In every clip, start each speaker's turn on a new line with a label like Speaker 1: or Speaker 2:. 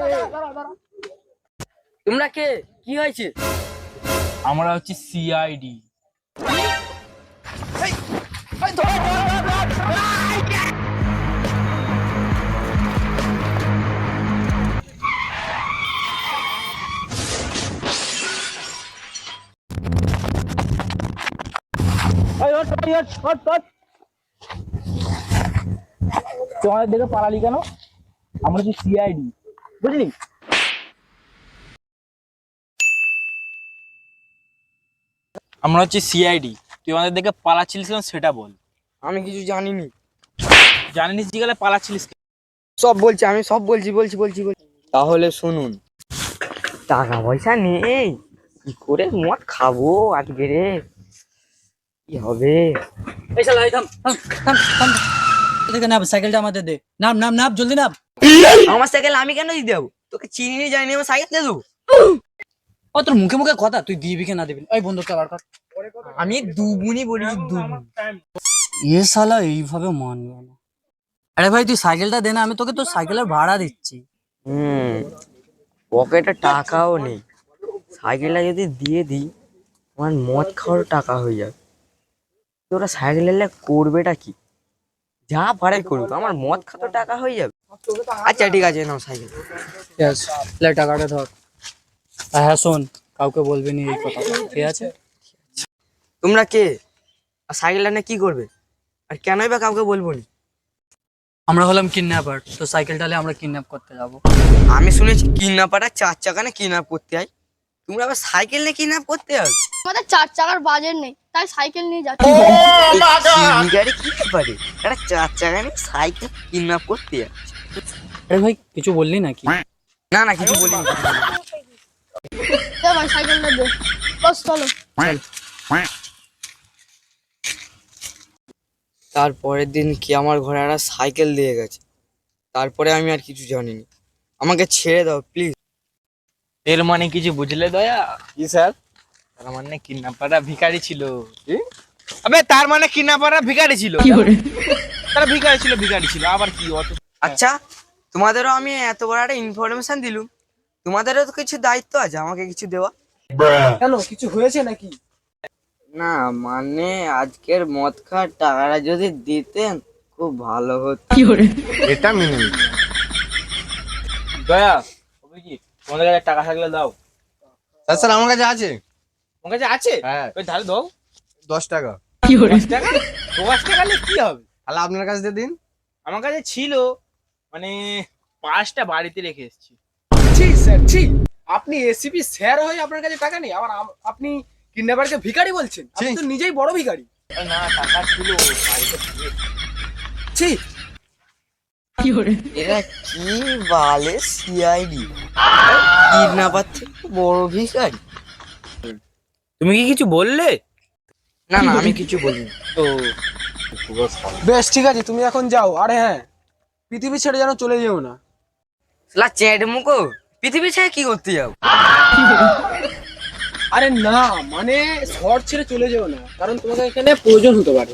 Speaker 1: তোমরা কে? কি হয়েছে?
Speaker 2: আমরা হচ্ছে সিআইডি। তোমাদের দেখে পালালি কেন? আমরা হচ্ছে সিআইডি, বুঝলি? আমরা হচ্ছে সিআইডি। তুই আমাদের দেখে পালাচ্ছিলিস কেন সেটা বল।
Speaker 1: আমি কিছু জানিনি।
Speaker 2: জানিস জিগালে পালাচ্ছিলিস কেন?
Speaker 1: সব বলছি, আমি সব বলছি। তাহলে শুনুন, টাকা পয়সা নেই, কি করে মদ খাবো আজকে রে? কি হবে?
Speaker 3: এই শালা, এই থাম থাম থাম থাম। এদিকে নাম, সাইকেলটা আমাদের দে। নাম নাম নাম, জলদি নাম।
Speaker 1: আমার সাইকেল আমি কেন দিতে যাবো? তোকে চিনি জানি আমার সাইকেল দিয়ে দেবো?
Speaker 3: ও তোর মুখে মুখে কথা, তুই দিবি কি না দিবি? ওই বন্ধুটা বার কর।
Speaker 1: আমি দুগুনি বলেছি, দুগুনি।
Speaker 3: এ শালা এইভাবে মানবে না। আরে ভাই তুই সাইকেলটা দে না, আমি তোকে তোর সাইকেলের ভাড়া দিচ্ছি।
Speaker 1: পকেটে টাকাও নেই, সাইকেলটা যদি দিয়ে দিই আমার মদ খাওয়ার টাকা হয়ে যাবে। তোরা সাইকেল এলে করবেটা কি? যা পারে করুক, আমার মদ খাওয়ার টাকা হয়ে যাবে। আচ্ছা ঠিক আছে, নাও সাইকেল।
Speaker 3: ইয়েস, লে টাকাটা ধর। আর হ্যাঁ শোন, কাউকে বলবি না এই কথা, ঠিক আছে?
Speaker 1: তোমরা কে? আর সাইকেলটা নিয়ে কি করবে? আর কেনই বা কাউকে বলবো না?
Speaker 3: আমরা হলাম কিডন্যাপার, তো সাইকেলটা নিয়ে আমরা কিডন্যাপ করতে যাব।
Speaker 1: আমি শুনেছি কিডন্যাপাররা 4 চাকা নিয়ে কিডন্যাপ করতে হয়, তোমরা আবার সাইকেল নিয়ে কিডন্যাপ করতে হবে?
Speaker 4: আমাদের 4 চাকার বাজেট নেই, তাই সাইকেল নিয়ে যাচ্ছি।
Speaker 1: গাড়ি কি পারে একটা 4 চাকা নিয়ে সাইকেল কিডন্যাপ করতে হয়?
Speaker 3: আরে ভাই কিছু বললি নাকি?
Speaker 1: না না, কিছু বলিনি।
Speaker 4: দে ভাই সাইকেলটা দে, বস চলো।
Speaker 1: তারপরের দিন কি আমার ঘরে একটা সাইকেল দিয়ে গেছে, তারপরে আমি আর কিছু জানিনি। আমাকে ছেড়ে দাও প্লিজ।
Speaker 2: এর মানে কিছু বুঝলে দয়া? কি স্যার? তার মানে কিডন্যাপাররা ভিখারি ছিল। আবে তার মানে কিডন্যাপাররা ভিখারি ছিল। তারা ভিখারি ছিল আবার কি অত?
Speaker 1: আচ্ছা, তোমাদেরও আমি এত বড় একটা ইনফরমেশন দিলুম, তোমাদেরও তো কিছু দায়িত্ব আছে আমাকে কিছু দেওয়া।
Speaker 3: কেন, কিছু হয়েছে নাকি?
Speaker 1: না মানে আজকের মদ খাওয়ার টাকাটা যদি দিতেন খুব ভালো হতো।
Speaker 2: এটা মেনে নিই। দয়া, হবে কি? তোমাদের কাছে টাকা থাকলে দাও।
Speaker 5: স্যার আমার কাছে আছে।
Speaker 2: তোমার কাছে আছে?
Speaker 5: হ্যাঁ।
Speaker 2: ওই ধারে দাও।
Speaker 5: 10 টাকা।
Speaker 2: 10 টাকা? 10 টাকা নিয়ে কি হবে?
Speaker 5: তাহলে আপনার কাছে দিয়ে দিন।
Speaker 2: আমার কাছে ছিল, মানে 5টা বাড়িতে রেখে এসেছি।
Speaker 6: ছি স্যার, ছি! আপনি এসিপি স্যার হয়ে আপনার কাছে টাকা নেই, আবার আপনি কিডন্যাপারকে ভিখারি বলছেন? আপনি তো নিজেই বড় ভিখারি।
Speaker 2: আরে না, টাকা ছিল বাড়িতে ছিল।
Speaker 6: ছি!
Speaker 1: এরা কি বলে সিআইডি কিডন্যাপার থেকে বড় ভিখারি?
Speaker 2: তুমি কি কিছু বললে?
Speaker 1: না না, আমি কিছু বলিনি।
Speaker 2: তো
Speaker 6: বেশ ঠিক আছে, তুমি এখন যাও। আরে হ্যাঁ, পৃথিবী ছেড়ে যেন চলে যেও না।
Speaker 1: শালা চ্যাট মুখো, পৃথিবী ছেড়ে কি করতে যাও?
Speaker 6: আরে না মানে শহর ছেড়ে চলে যেও না, কারণ তোমাকে এখানে প্রয়োজন হতে পারে।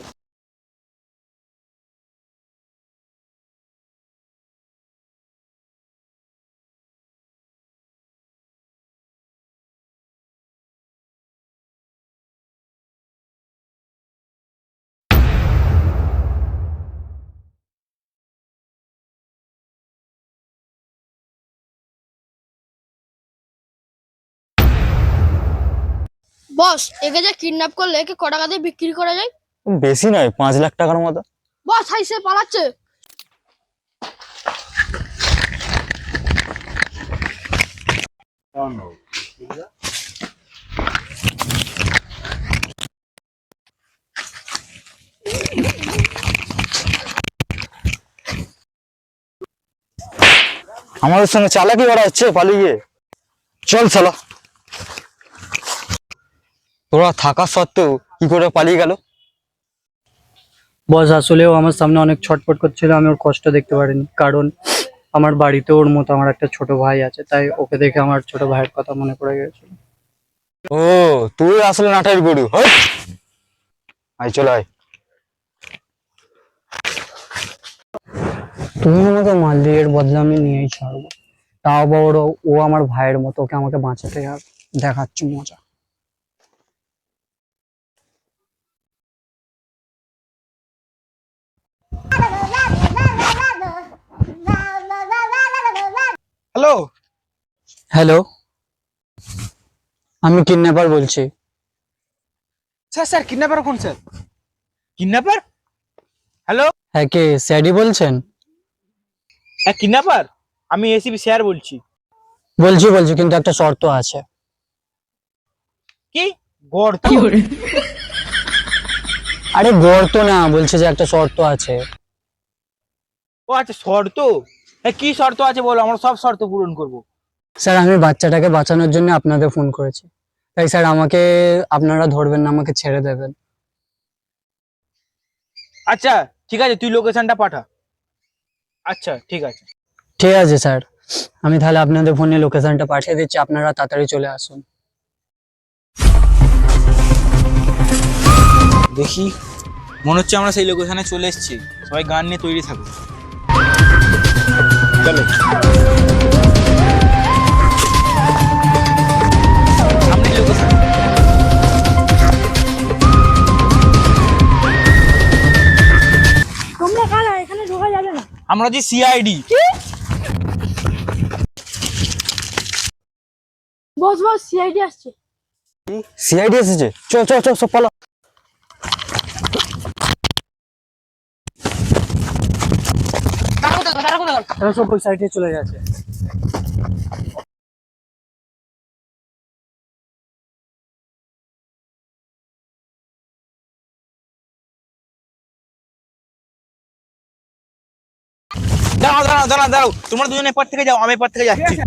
Speaker 4: বস, একে যে কিডন্যাপ করলে একে ক টাকা দিয়ে বিক্রি করা যায়?
Speaker 7: বেশি নয়, 5 লাখ টাকার মতো।
Speaker 4: বস হাইসে পালাচ্ছে।
Speaker 7: আমাদের সঙ্গে চালাকি করা হচ্ছে পালিয়ে। চল শালা। তোরা থাকা সত্ত্বেও কি করে পালিয়ে গেল?
Speaker 3: বস আসলেও আমার সামনে অনেক ছটফট করছিল, আমি ওর কষ্ট দেখতে পারিনি, কারণ আমার বাড়িতে ওর মতো আমার একটা ছোট ভাই আছে, তাই ওকে দেখে আমার ছোট ভাইয়ের কথা মনে পড়ে গেছিল।
Speaker 7: ও, তুই আসলে নাটের গরু। হই! আয় চল আয়।
Speaker 3: তুমি আমাকে মারলে, এর বদলা আমি নিয়েই ছাড়বো। তাও বড়, ও আমার ভাইয়ের মতো, ওকে আমাকে বাঁচাতে আর দেখাচ্ছি মজা।
Speaker 6: হ্যালো,
Speaker 3: হ্যালো, আমি কিডন্যাপার বলছি।
Speaker 6: স্যার স্যার কিডন্যাপার কোন স্যার?
Speaker 2: কিডন্যাপার? হ্যালো,
Speaker 3: হ্যাঁ, কে স্যাডি বলছেন?
Speaker 2: হ্যাঁ কিডন্যাপার, আমি এসিপি স্যার বলছি।
Speaker 3: বলছি কিন্তু একটা শর্ত আছে।
Speaker 2: কি গর্ত?
Speaker 3: আরে গর্ত না, বলছে যে একটা শর্ত আছে।
Speaker 2: ও আচ্ছা, শর্ত। হ্যাঁ কি শর্ত আছে বলো, আমরা সব শর্ত পূরণ করবো।
Speaker 3: স্যার আমি বাচ্চাটাকে বাঁচানোর জন্য আপনাদের ফোন করেছি, তাই স্যার আমাকে আপনারা ধরবেন না, আমাকে ছেড়ে দেবেন।
Speaker 2: আচ্ছা ঠিক আছে, তুই লোকেশনটা পাঠা। আচ্ছা ঠিক আছে।
Speaker 3: ঠিক আছে স্যার, আমি তাহলে আপনাদের ফোনে লোকেশনটা পাঠিয়ে দিচ্ছি, আপনারা তাড়াতাড়ি চলে আসুন।
Speaker 2: দেখি, মনে হচ্ছে আমরা সেই লোকেশনে চলে এসেছি। সবাই গান নিয়ে তৈরি থাকো, চলো। সামনে লোকেশন।
Speaker 4: তোমরা কারা? এখানে ঢোকা যাবে না।
Speaker 2: আমরা যে সিআইডি।
Speaker 4: বস বস, সিআইডি আসছে।
Speaker 3: সিআইডি এসেছে, চল চল চল সব পালো। তারা সব ওই সাইডে চলে গেছে।
Speaker 2: দাঁড়াও দাঁড়াও দাঁড়াও দাঁড়াও, তোমরা দুজনে পর থেকে যাও, আমি পর থেকে যাচ্ছি।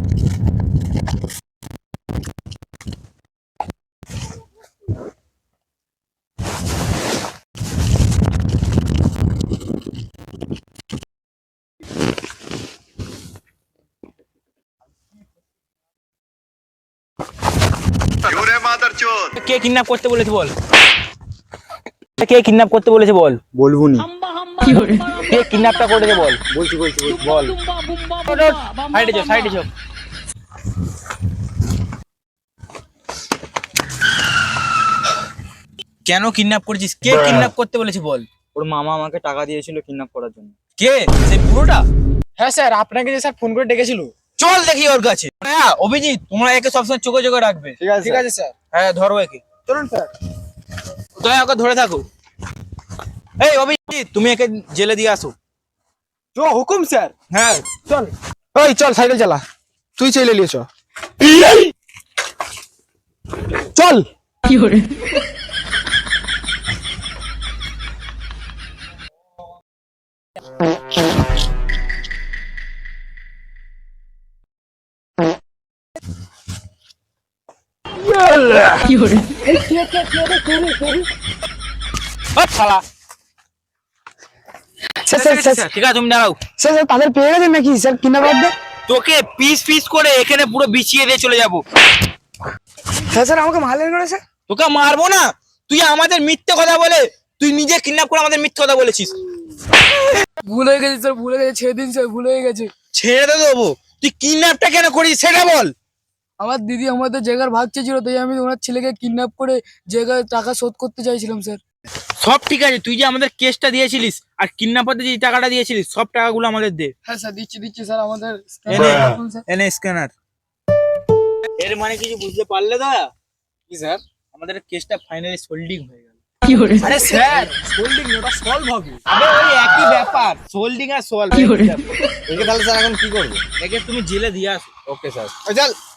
Speaker 2: কে কিডন্যাপ করতে বলেছে বল? কে কিডন্যাপ করতে বলেছে বল?
Speaker 7: বলবো নি।
Speaker 2: কে কিডন্যাপটা করেছে বল? বলছি বল। সাইডে যাও, সাইডে যাও। কেন কিডন্যাপ করেছিস? কে কিডন্যাপ করতে বলেছে বল?
Speaker 7: ওর মামা আমাকে টাকা দিয়েছিল কিডন্যাপ করার জন্য।
Speaker 2: কে? সেই পুরোটা?
Speaker 6: হ্যাঁ স্যার, আপনাকে যে স্যার ফোন করে ডেকেছিল।
Speaker 2: চল দেখি ওর কাছে। হ্যাঁ অভিজিৎ, তোমরা একে সবসময় চোখে চোখে রাখবে।
Speaker 6: ঠিক আছে স্যার।
Speaker 2: হ্যাঁ ধরো একে।
Speaker 6: চলুন স্যার।
Speaker 2: দয়া ওকে ধরে থাকো। এই অভিজিৎ, তুমি একে জেলে দিয়ে আসো।
Speaker 6: জো হুকুম স্যার।
Speaker 2: হ্যাঁ
Speaker 6: চল, ওই চল সাইকেল চালা, তুই চলে নিয়েছ। চল।
Speaker 2: শালা। ঠিক আছে তুমি দাঁড়াও।
Speaker 3: স্যার স্যার তাদের পেয়ে গেছেন নাকি স্যার কিডন্যাপারদের?
Speaker 2: তোকে পিস পিস করে এখানে পুরো বিছিয়ে দিয়ে চলে যাবো।
Speaker 6: হ্যাঁ স্যার, আমাকে মারলেন করে স্যার।
Speaker 2: তোকে মারবো না, তুই আমাদের মিথ্যে কথা বলে, তুই নিজে কিডন্যাপ করে আমাদের মিথ্যে কথা বলেছিস।
Speaker 6: ভুল হয়ে গেছে স্যার, ভুল হয়ে গেছে, ছেড়ে দিন স্যার, ভুল হয়ে গেছে।
Speaker 2: ছেড়ে তো দেবো, তুই কিডন্যাপটা কেন করিস সেটা বল।
Speaker 6: আমার দিদি আমাদের জায়গার ভাগ চেয়েছিল, তাই আমি ওনার ছেলেকে কিডন্যাপ করে জায়গায় টাকা শোধ করতে চাইছিলাম স্যার।
Speaker 2: সব ঠিক আছে, তুই যে আমাদের কেসটা দিয়েছিলিস আর কিডন্যাপারদের যে টাকাটা দিয়েছিলিস, সব টাকাগুলো আমাদের দে।
Speaker 6: হ্যাঁ স্যার, দিচ্ছি স্যার, আমাদের
Speaker 2: এনে স্ক্যানার। এর মানে কিছু বুঝতে পারলে দয়া?
Speaker 6: কি স্যার?
Speaker 2: আমাদের কেসটা ফাইনালি সোল্ডিং হয়ে গেল।
Speaker 6: আরে স্যার, হোল্ডিং ওটা সলভ হবে।
Speaker 2: আবে ওই একই ব্যাপার, সোল্ডিং আর সলভ।
Speaker 5: একে তাহলে স্যার এখন কি করবো?
Speaker 2: একে তুমি জেলে দিয়ে আসো।
Speaker 5: ওকে স্যার, চল।